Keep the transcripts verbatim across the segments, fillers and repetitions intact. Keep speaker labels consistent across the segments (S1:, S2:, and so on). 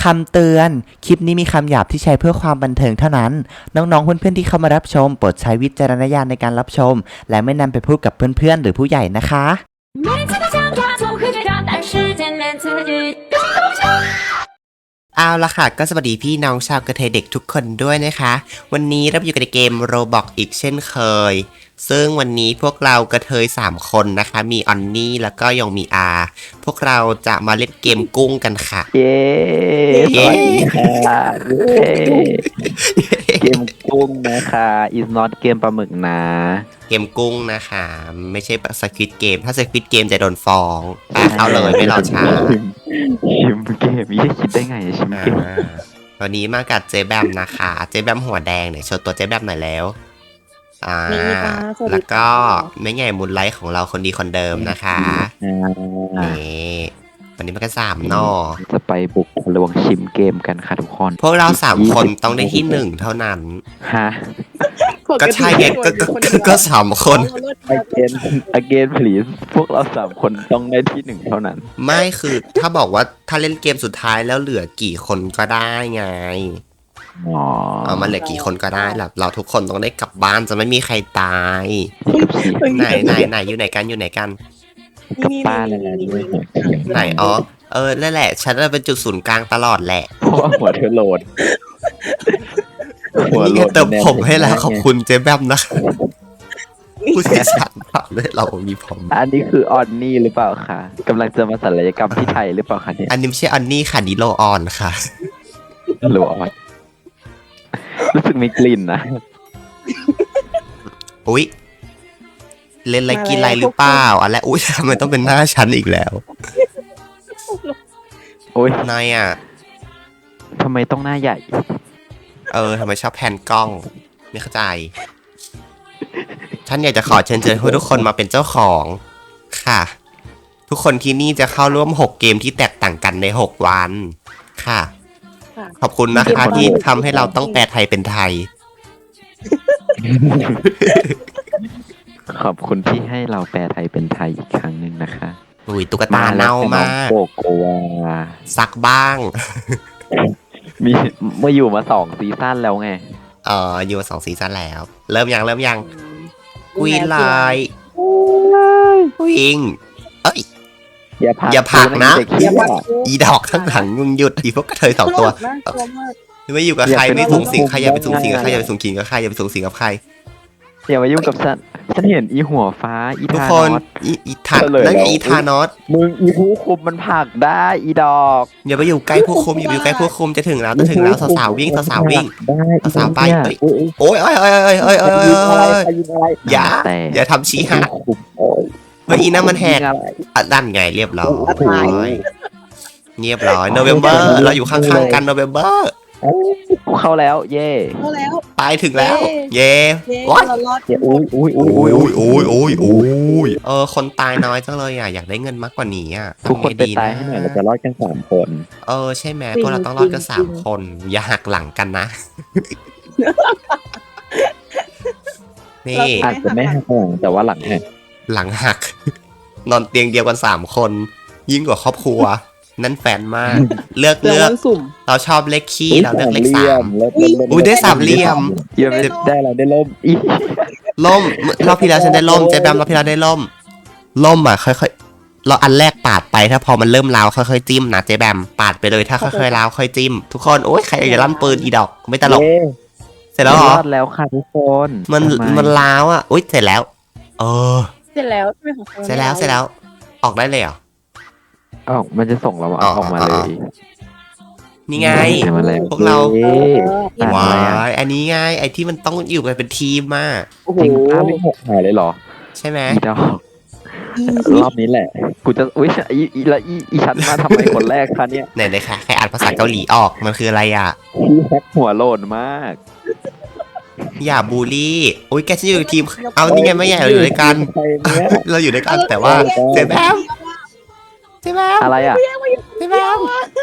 S1: คำเตือน คลิปนี้มีคำหยาบที่ใช้เพื่อความบันเทิงเท่านั้น น้องๆเพื่อนๆที่เข้ามารับชมโปรดใช้วิจารณญาณในการรับชม และไม่นำไปพูดกับเพื่อนๆหรือผู้ใหญ่นะคะเอาละค่ะก็สวัสดีพี่น้องชาวกระเทยเด็กทุกคนด้วยนะคะวันนี้เราอยู่ในเกม Roblox อีกเช่นเคยซึ่งวันนี้พวกเรากระเทยสามคนนะคะมีออนนี่แล้วก็ยองมีอาพวกเราจะมาเล่นเกมกุ้งกันค่ะ
S2: เย้สวัสดีค่ะเกมกุ้งนะคะ is not เกมปลาหมึกนะ
S1: เกมกุ้งนะคะไม่ใช่สควิดเกมถ้าสควิดเกมจะโดนฟ้องเอาเลยไม่รอช้า
S2: ชิมเกมยี่คิดได้ไงชิมเกม
S1: วันนี้มากับเจ๊แบมนะคะเจ๊แบมหัวแดงเนี่ยโชว์ตัวเจ๊แบมหน่อยแล้วอ่าแล้วก็แม่ใหญ่มูลไลท์ของเราคนดีคนเดิมนะคะนี่วันนี้มันก็สามนอ
S2: จะไปบุกทะลวงชิมเกมกันค่ะทุกคน
S1: พวกเราสามคนต้องได้ที่หนึ่งเท่านั้น
S2: ฮะ
S1: ก็ใช่ไงก็ก็สามคน
S2: again again please พวกเราสามคนต้องได้ที่หนึ่งเท่านั้น
S1: ไม่คือถ้าบอกว่าถ้าเล่นเกมสุดท้ายแล้วเหลือกี่คนก็ได้ไงเอามาเหลือกี่คนก็ได้แหละเราทุกคนต้องได้กลับบ้านจะไม่มีใครตายไหนไหนไหนอยู่ไหนกันอยู่ไหนกัน
S2: กลับบ้านเลยนะ
S1: ไหนอ๋อเออนั่นแหละฉันเป็นจุดศูนย์กลางตลอดแหละ
S2: เพราะว่าหัวเธอโหลด
S1: หัวโหลดเติมผมให้แล้วขอบคุณเจ๊แบมนะผู้เชี่ยวชาญมากเลยเรามีผม
S2: อันนี้คือออนนี่หรือเปล่าคะกำลังจะมาศัลยกรรมที่ไทยหรือเปล่าคะเนี่ย
S1: อันนี้ไม่ใช่ออนนี่ค่ะนี่โลออนค่ะ
S2: โลออนรู้สึกมีกลิ่นนะ
S1: อุ๊ยเล่นอะไรกินอะไรหรือเปล่าอะไรอุ๊ยทำไมต้องเป็นหน้าฉันอีกแล้ว
S2: โอ๊ย
S1: นายอ่ะ
S2: ทำไมต้องหน้าใหญ่
S1: เออทำไมชอบแพนกล้องไม่เข้าใจฉันอยากจะขอเชิญเชิญให้ทุกคนมาเป็นเจ้าของค่ะทุกคนที่นี่จะเข้าร่วมหกเกมที่แตกต่างกันในหกวันค่ะขอบคุณนะคะที่ทำให้เราต้องแปลไทยเป็นไทย
S2: ขอบคุณที่ให้เราแปลไทยเป็นไทยอีกครั้งหนึ่งนะคะ
S1: อุ้ยตุ๊กตาเน่ามาก
S2: โกโกวา
S1: ซักบ้าง
S2: มีเมื่ออยู่มาสองซีซั่นแล้วไง
S1: เอออยู่มาสองซีซั่นแล้วเริ่มยังเริ่มยังกุยลายวิงเอ้ย
S2: อย่าพัก
S1: อย่าพักนะอีดอกทั้งหลังมึงหยุดอีพวกกระเทยสองตัวไม่อยู่กับใครไม่สูงสิงใครอย่าไปสูงสิงกับใครอย่าไปสูงสิงกับใครอย่าไปสูงสิงกับใคร
S2: อย่ามายุ่งกับฉันฉันเห็นอีหัวฟ้าอี
S1: ทานอสอีทานนั่นอีทานอส
S2: มึงอีผู้คุมมันผลักได้อีดอก
S1: อย่าไปอยู่ใกล้ผู้คุมอย่าไปอยู่ใกล้ผู้คุมจะถึงแล้วจะถึงแล้วสาวๆวิ่งสาวๆวิ่งสาวๆไปโอ้ยโอ้ยโอ้ยโอ้ยโอ้ยโอ้ยอย่าอย่าทำชี้หักเมื่ออีนั่นมันแหกดันไงเรียบร้อยเรียบร้อยโนเวมเบอร์เราอยู่ข้างๆกันโนเวมเบอร์
S2: เข้าแล้วเย่
S3: เข้าแล้ว
S1: ตายถึงแล้วเย่
S3: ว้าย
S2: อุ้ยอุ้ยอุ้ย
S1: อุ้ยอุ้ยอุ้ยอุ้ยอุ้ยเออคนตายน้อยจังเลยอ่ะอยากได้เงินมากกว่านี้อ่ะ
S2: ทุกคนไปตายให้หน่อยเราจะรอดกันสามคน
S1: เออใช่ไหมพวกเราต้องรอดกันสามคนอย่าหักหลังกันนะนี่
S2: อาจจะไม่หักหลังแต่ว่าหลังหัก
S1: หลังหักนอนเตียงเดียวกันสามคนยิ่งกว่าครอบครัวนั่นแฟนมากเลือกเลือกเราชอบเลขขี้เราเลือกเลขสามอุ้ยได้สามเหลี่ยม
S2: เยี่ยมได้เราได้ล่มอี
S1: ล่มรอบที่แล้วฉันได้ล่มเจ๊แบมรอบที่แล้วได้ล่มล่มอ่ะค่อยๆเราอันแรกปาดไปถ้าพอมันเริ่มล้าวค่อยๆจิ้มนะเจ๊แบมปาดไปเลยถ้าค่อยๆล้าวค่อยจิ้มทุกคนโอ้ยใครอยากจะลั่นปืนอีดอกไม่ตลกเสร็จแล้วเหรอ
S2: รอดแล้วค่ะทุกคน
S1: มันมันล้าวอ่ะอุ้ยเสร็จแล้วเออ
S3: เสร็จแล้ว
S1: เสร็จแล้วเสร็จแล้วออกได้เลยเหรอ
S2: ออกมันจะส่งเราออกมาเลย
S1: นี่ไงพวกเราว้ายอันนี้ไงไอที่มันต้องอยู่กันเป็นทีมมาก
S2: จริงป้าไม่หกหายเลยเหรอ
S1: ใช่ไหม
S2: รอบนี้แหละกูจะอุ้ยอีอีละอีอีฉันมาทำไมคนแรกคะเนี่ย
S1: ไหนเลยค่ะใครอ่านภาษาเกาหลีออกมันคืออะไรอ่ะ
S2: พี่แฮกหัวโลนมาก
S1: อย่าบูลลี่อุ้ยแกจะอยู่ทีมเอานี่ไงไม่ใหญ่เราอยู่ด้วยกันเราอยู่ด้วยกันแต่ว่าเจ๊แบมเจ๊แบม
S2: อะไรอ่ะ
S1: เจ๊แบม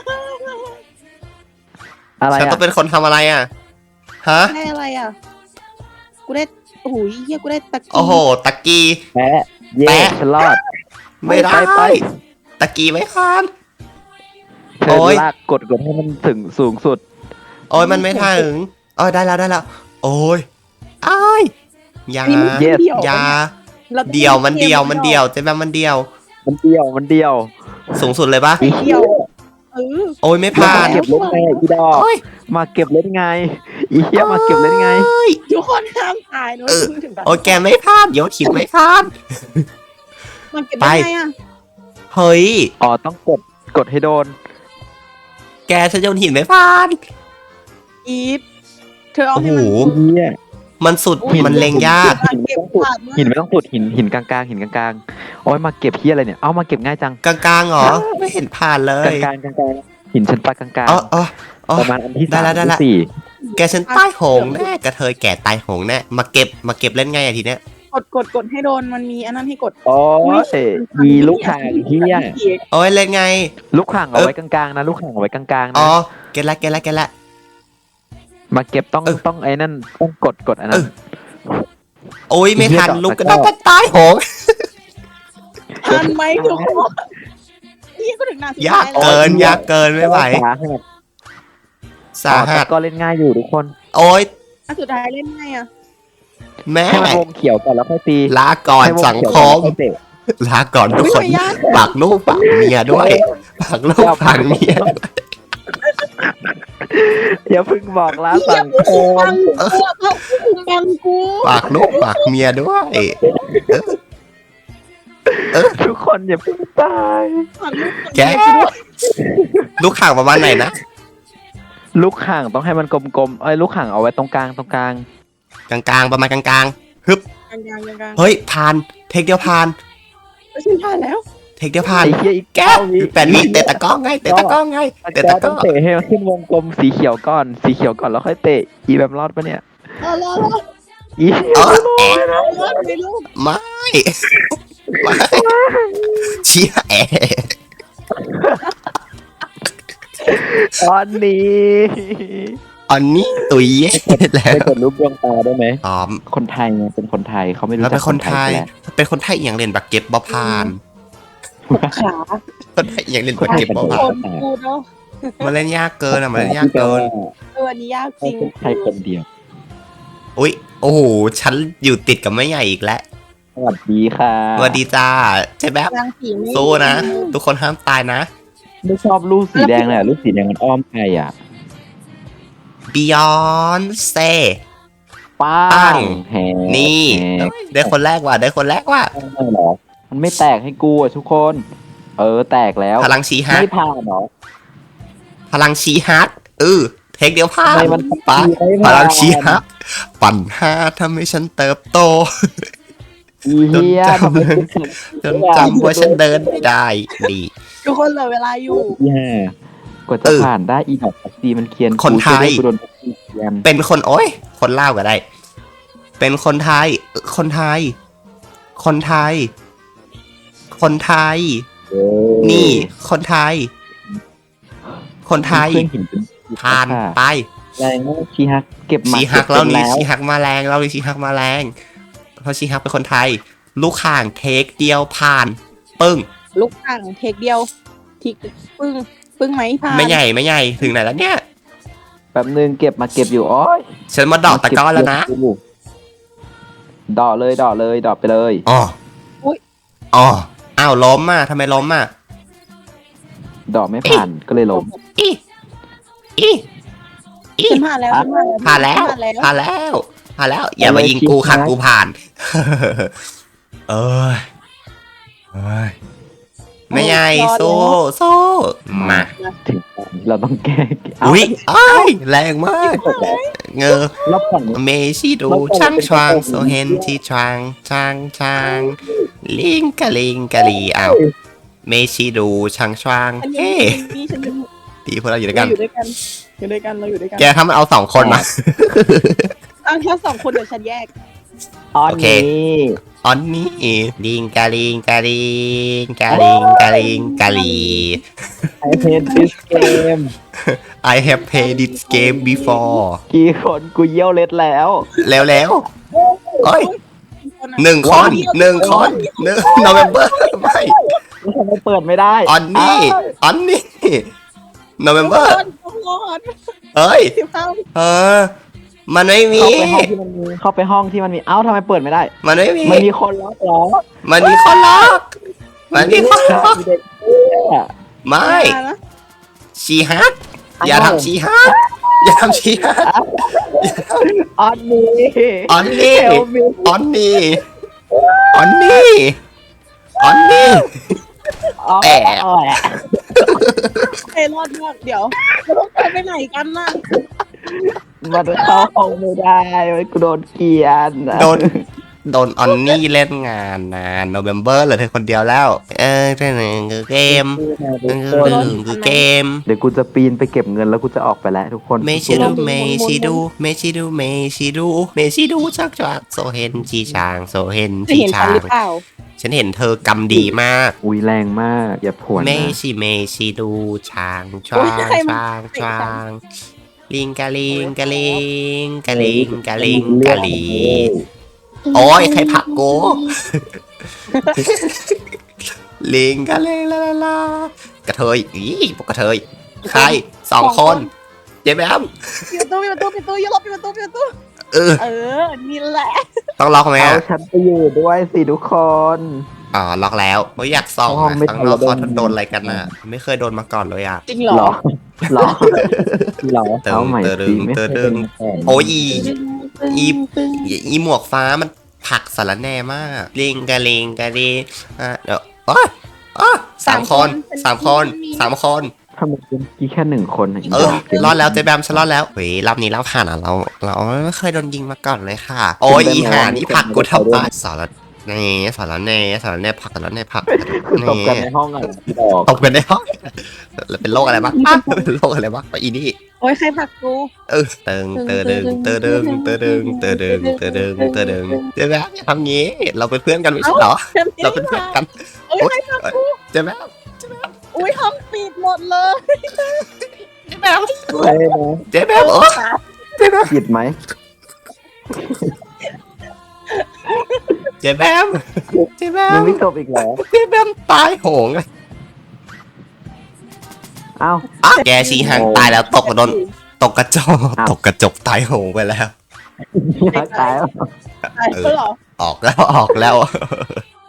S2: อะไร
S1: ฉันต้องเป็นคนทำอะไรอ่ะฮะ
S3: ได้อะไรอ่ะกูได้โอ้ยเฮียกูได้ตะกี้
S1: โอ้โหตะกี้
S2: แปะแปะฉันรอด
S1: ไม่ได้ตะกี้ไม่คัน
S2: เธ
S1: โอ๊
S2: อย ลากกดกดให้มันถึงสูงสุด
S1: โอ้ยมันไม่ถึงโอ้ยได้แล้วได้แล้วโอ้ยอ้ายอยา
S3: อันนี้มัน
S2: Yes
S3: เดี่ยว
S1: อยา
S3: ราต้อง
S1: เดียวมันเดียว
S3: ก
S1: มันเดียวเจ๊แบมมันเดียว
S2: มันเดียวมันเดียว
S1: สูงสุดเลยปะ
S3: ไม่เดียวเออ
S1: โอ้ยไม่
S2: มา
S1: ผ่าน
S2: เก็บเล่นไงอีดอก
S1: โอ้ย
S2: มาเก็บเล่นไงอีเหี้ยมาเก็บเล่นไง
S3: ทุกคนห้ามตายนะ
S1: เออ
S3: ถึงแบบ
S1: โอ้ยแกไม่ผ่านโยชิไม่ผ่าน
S3: มันเก็บได้ไงอ่ะ
S1: เฮ้ย
S2: อ๋อต้องกดกดให้โดน
S1: แกฉันโยนหินไม่ผ่าน
S3: อีฟเธอเอา
S1: โอ้
S3: ให้
S1: โห
S3: มัน
S2: เหี้ย
S1: มันสุด
S3: อุ๊ย
S1: มันเล็งยาก
S3: เก็บขาดมาก
S2: หินไม่ต้องสุดหินหินกลางๆหินกลางๆโอ้ยมาเก็บเหี้ยอะไรเนี่ยเอามาเก็บง่ายจัง
S1: กลางๆเหรอ ไม่เห็นผ่านเล
S2: กลาย งๆกลางๆหินชั้นปลากลาง
S1: อ๋ออ๋ออ๋อ
S2: ๆประมาณอันที่
S1: ได้
S2: สาม
S1: ละได้ละ
S2: ที่สี่
S1: แกฉันใต้หงแน่กระเทยแก่ตายหงแน่มาเก็บมาเก็บเล่นไงอะทีเนี้ย
S3: กดกดกดให้โดนมันมีอันนั้นให้กด
S2: โอ้ยมีลูกข่างเหี้ย
S1: โอ้ยเล่นไง
S2: ลูกข่างเอาไว้กลางๆนะลูกข่างเอาไว้กลางๆ
S1: อ๋
S2: นะ
S1: อเก็ตละเก็ตละเก็ตละ
S2: มาเก็บต้อง
S1: เออ
S2: ต้องไอ้นั่นต้องกดกดอันนั้น
S1: โอ้ยไม่ทัน
S2: ไอ้เหี้ย
S1: ลุกก็
S2: ด
S1: ต้
S2: อ
S1: อก งตายหง
S3: ทันไหมทุกคนนี่ก็ถึงหน้าสุด
S1: ยาก
S3: ท้ายแล้ว
S1: เกินยากเกินไม่ไหว
S2: สาหัส
S1: สาหัส
S2: ก็เล่นง่ายอยู่ทุกคน
S1: โอ้ย
S3: อันสุดท้ายเล่นไงอ่ะ
S1: แม่
S2: ให้มันวงเขียวก่อนแล้วค่อยตี
S1: ลาก่อน
S2: ให้ว
S1: สัง
S2: เขียว
S1: ค
S2: ก่อน
S1: ม
S2: แล้วค่อยเตะ
S1: ลาก่อนทุก
S3: ไม่
S1: คน
S3: ไม่ยาก
S1: ฝากลูกฝากเมียด้วยฝากลูกฝากเมีย
S2: อย่าเพึ่งบอกลา
S3: เหี้ย
S2: สัง
S3: กู
S2: ค
S3: บั
S2: ม
S3: งกูเอากูบังกู
S1: ฝากลูกฝากเมียด้วย
S2: ทุกคนอย่าเพึ่งตาย
S3: ฝากลูก
S1: แกลูกข่างประมาณไหนนะ
S2: ลูกข่างต้องให้มันกลมๆเอ้ยลูกข่างเอาไว้ตรงกลางตรงกลาง
S1: กลางๆประมาณกลางๆฮึบ
S3: กลางกลางกลาง
S1: เฮ้ยผ่านเทคเดียวผ่าน
S3: ไม่ใช่ผ่านแล้ว
S1: เทคเดียวผ่าน
S2: ไอ้เหี้ยอีก
S1: แก
S2: เก้าวิ
S1: แปดวิเตะตะกร้องไงเตะตะกร้องไงเตะ
S2: แก
S1: ตะก
S2: ต้
S1: ร้
S2: อ
S1: อง ง
S2: เตะให้มันขึ้นวงกลมสีเขียวก่อนสีเขียวก่อนแล้วค่อยเตะอีแบบรอดปะเนี่ย
S3: เออรอรอ
S2: อี
S1: เออแอะ
S3: รอรอไม่รู้
S1: ไม่ไม่เชี่ยแอะ
S2: ตอนนี้
S1: อันนี้ตุยแย่แล้
S2: ไป
S1: ว
S2: กดรูปดวงตาได้ไหม
S1: อ๋อ
S2: คนไทยไงเป็นคนไทยเขาไม่รู้
S1: เรา
S2: จั
S1: เป็
S2: ก
S1: นคนไทย
S2: แหละ
S1: เป็นคนไทยอย่างเล่นบักเก็ตบอพาน
S3: ขา
S1: คนไทยอย่างเล่นบักเก็ตบอ
S3: ค
S1: พาน
S3: นกูเนาะ
S1: มันเล่นยากเกินอ่ะมันเล่นยากเกิน
S3: เอออันนี้ยากจ
S2: เขา
S3: ริง
S2: เป็นไทยคนเดียว
S1: อุ้ยโอ้โหฉันอยู่ติดกับแม่ใหญ่อีกแล้ว
S2: สวัสดีค่ะ
S1: สวัสดีจ้าใช่แบบ
S3: ยางสีไม่
S1: สู้นะ ทุกคนห้ามตายนะ
S2: ไม่ชอบลูกสีแดงเลยอะลูกสีแดงมันอ้อมใครอ่ะ
S1: Beyonce
S2: ป้า
S1: ปั
S2: ง
S1: ง
S2: แฮ
S1: นี่
S2: แฮ
S1: ได้คนแรกว่ะได้คนแรกว่ะ
S2: ไม่หรอมันไม่แตกให้กูอ่ะทุกคน เออแตกแล้ว
S1: พลังชีฮัก
S2: ไม่ผ่านเหรอ
S1: พลังชีฮักเออเทคเดียวพลา
S2: ทำ
S1: ด
S2: ไมมัน
S1: ปะ
S2: ไม่
S1: พ
S2: ผ่าน
S1: ลังชีฮักปั่นห้าทำให้ฉันเติบโต
S2: อีเฮีย
S1: จนจำ
S2: ทำไมกูถึง
S1: จนจำว่าฉันเดินไม่ได้ดี
S3: ทุกคนเหลือเวลาอยู่
S2: อีห่ากว่าจะ
S1: เออ
S2: ผ่านได้อีดอกแท็กซี่มันเคียน
S1: คนไทย
S2: กูจะด้กูโดนแท็กซี่เคียน
S1: เป็นคนโอ้ยคนเล่าวก็ได้ เป็นคนไทยเออคนไทย คนไทย คนไทย
S2: เออ
S1: นี่ คนไทย คนไทย
S2: เพื่อนเห็นเป็น
S1: ผ่าน
S2: ค่ะ
S1: ไป
S2: แรงมากชีฮักเก็บหมา
S1: ชีฮัก
S2: เบ
S1: เรานี่
S2: แล้ว
S1: ชีฮักมาแรงเรานี่ชีฮักมาแรงเพราะชีฮักเป็นคนไทย ลูกข่างเทคเดียวผ่าน ปึ้ง
S3: ลูกอ่างเทคเดียวทิกปึ้งปึ้งไหมผ่าน
S1: ไม่ใหญ่ไม่ใหญ่ถึงไหนแล้วเนี่ย
S2: แป๊บนึงเก็บมาเก็บอยู่โอ้ย
S1: ฉันมาดอกตะกร้อแล้วนะ
S2: ดอกเลยดอกเลยดอกไปเลย
S1: อ๋ออ๋ออ้าวล้มอ่ะทำไมล้มอ่ะ
S2: ดอกไม่ผ่านก็เลยล้ม
S1: อีอีอี
S3: ฉันผ่านแล้วฉันผ่านแล้ว
S1: ผ่านแล้ว
S3: ผ่านแล้ว
S1: ผ่านแล้วผ่านแล้ว อย่ามายิงกูค่ะกูผ่าน เอ้ยเอ้ยไม่ใหญ่สู้สู้มา
S2: ถึงเราต้องแก้เา
S1: อุ้ยอ้ายแรงมาก
S2: จบแล้ว
S1: เงอ
S2: รอบก่อน
S1: เมชิดูช่างชวางโซเฮนที่ชวางช่างช่างลิงกะลิงกะลีอ้าวเมชิดูช่างชวาง
S3: ฉันยัง
S1: เฮ้
S3: นี่ฉันยัง
S1: ดีพวกเราอยู่ด้วย
S3: เรา
S1: กัน
S3: อยู่ด้วยกันอยู่ด้วยกันเราอยู่ด้วยกัน
S1: แกถ้ามันเอาสองคนมา
S3: อ้าวแค่สองคนเดี๋ยวฉันแยก
S2: ตอน
S1: โอเค
S2: นี้
S1: ออนนี่ลิงกะลิงกะลิงกะลิงกะลิงกะลี
S2: ไอเพนดิสเกม
S1: I have played this game before
S2: กี่คนกูเยี่ยวเล็ดแล้ว
S1: แล้วแล้วเอ้ยหนึ่งคนหนึ่งคนหนึ่ง November ไม่
S2: ทำไมเปิดไม่ได้
S1: ออนนี่ออนนี่โนเวมเบอร์
S3: ทุกคน
S1: เฮ้ย
S3: สิบห้า
S1: เออมันไม่มี
S2: เข้าไปห้องที่มันมีเข้าไปห้องที่มันมีเอ้าทำไมเปิดไม่ได้
S1: มันไม่มี
S2: มันมีคนล็อกเหรอ
S1: มันมีคนล็อกมันมีคนล็อก
S2: มีเด็กเนี่ย
S1: ไม่
S3: นะ
S1: ชีฮักอย่าทำชีฮักอย่าทำชีฮัก
S2: ออนนี่
S1: ออนนี่
S2: เฮลมี
S1: ออนนี่ออนนี่ออนนี่
S2: อ๋อ
S1: แอะ
S3: ไอ้รอดมากเดี๋ยวเราต้องไปไหนกันน่ะ
S2: มันเข้าห้องไม่ได้กูโดนเกลียน
S1: โดนโดนออนนี่เล่นงานนะโนเวมเบอร์เหลือเธอคนเดียวแล้ว เออเรื่องหนึ่งคือเกมเรื่องหนึ่งคือเกม
S2: เดี๋ยวกูจะปีนไปเก็บเงินแล้วกูจะออกไปแล้วทุกคน
S1: เมชิดูเมชิดูเมชิดูเมชิดูเมชิดูชักจักโซเฮนชีชางโซเฮน
S3: จะ
S1: ชี
S3: เห็น
S1: ชา
S3: กันห
S1: ง
S3: รือเปล่า
S1: ฉันเห็นเธอกำดีมาก
S2: อุ้ยแรงมากอย่าผวน
S1: เม
S2: นะ
S1: ชิเมชิดูช้างช้างช้างช้างลิงกะลิงกะลิงกะลิงกะลิงกะลิงโอ้ยใครผลักกูลิงกะลิงลาลาลากระเทยอีพวกกระเทยใครสองคนเจ๊แบม
S3: ปิดประตูปิดประตูปิดประตูอย่าลบปิดประตูปิดประตู
S1: เออ
S3: เออนี่แหละ
S1: ต้องล็อกไหม
S2: เอา
S1: อ่ะ
S2: ฉันไปอยู่ด้วยสิทุกคน
S1: อ๋อล็อกแล้วไม่อยากส่อง
S2: ห้อง
S1: อ่ะ
S2: ไม่
S1: ต้องล็อก
S2: ทัน
S1: เขา
S2: แล้ว
S1: โดนอะไรกันอ่ะ ไม่เคยโดนมาก่อนเลยอ่ะ
S3: จริงเหร
S2: หร
S3: อ
S2: อหรอหรอ
S1: ตึง
S2: เอาใหม่
S1: ตึ
S2: สิ
S1: ง
S2: ไม่เคย
S1: ตึ
S2: เป็น
S1: ง
S2: มาก่อน
S1: โอ้ยอี อี
S3: ตึง
S1: อีอีหมวกฟ้ามันผลักสารแหน่มากลิงกะลิงกะลิงอ่ะเดี๋ยวโอ้ยอ๋อสามคนสามคนสามคน
S2: ทำไมเป็นกี่แค่หนึ่งคนะ
S1: เออรอดแล้วเจ๊แบมฉันรอดแล้วเฮ้ยรอบนี้เราผ่านอ่ะเราเราไม่เคยโดนยิงมาก่อนเลยค่ะ โอ้ยอีห่านี่ผลักกูทำไมสารแหน่สารแหน่สารแหน่ผลักสารแหน่ผลัก
S2: คือตบกันในห้องอ่ะดอก
S1: ตบกันได้ห้องแล้วเป็นโรคอะไรบ้างอ่ะเป็นโรคอะไรบ้างไปอีนี่
S3: โอ้ยใครผลักกู
S1: เออเติงเตอดึงเตอดึงเตอดึงเตอดึงเตอดึงเตอดึงเจ๊แบมอย่าทำงี้ เราเป็นเพื่อนกันไม่ใช่เหรอ เราเป็นเพื่อนกัน
S3: โอ้ยใครผลักกู
S1: เจ๊แบม
S3: อุ้ยห้องปิดหมดเลย
S1: เจ๊แบม
S2: ใช่ไหม
S1: เจ๊แบมโอ้เจ๊แบม
S2: ผิดไหม
S1: เจ๊แบมเจ๊แบ
S2: ยัง
S1: ม
S2: ไม่จบอีกเหรอ
S1: เจ๊แบมตายโหงเลย
S2: อ้าว
S1: อ่ะแกชีหังตายแล้วตกโดนตกกระจก
S2: อ้าว
S1: ตกกระจกตายโหงไปแล้ว
S2: ตายแล้ว
S3: ตายแล้วเหรอ
S1: ออกแล้วออกแล้ว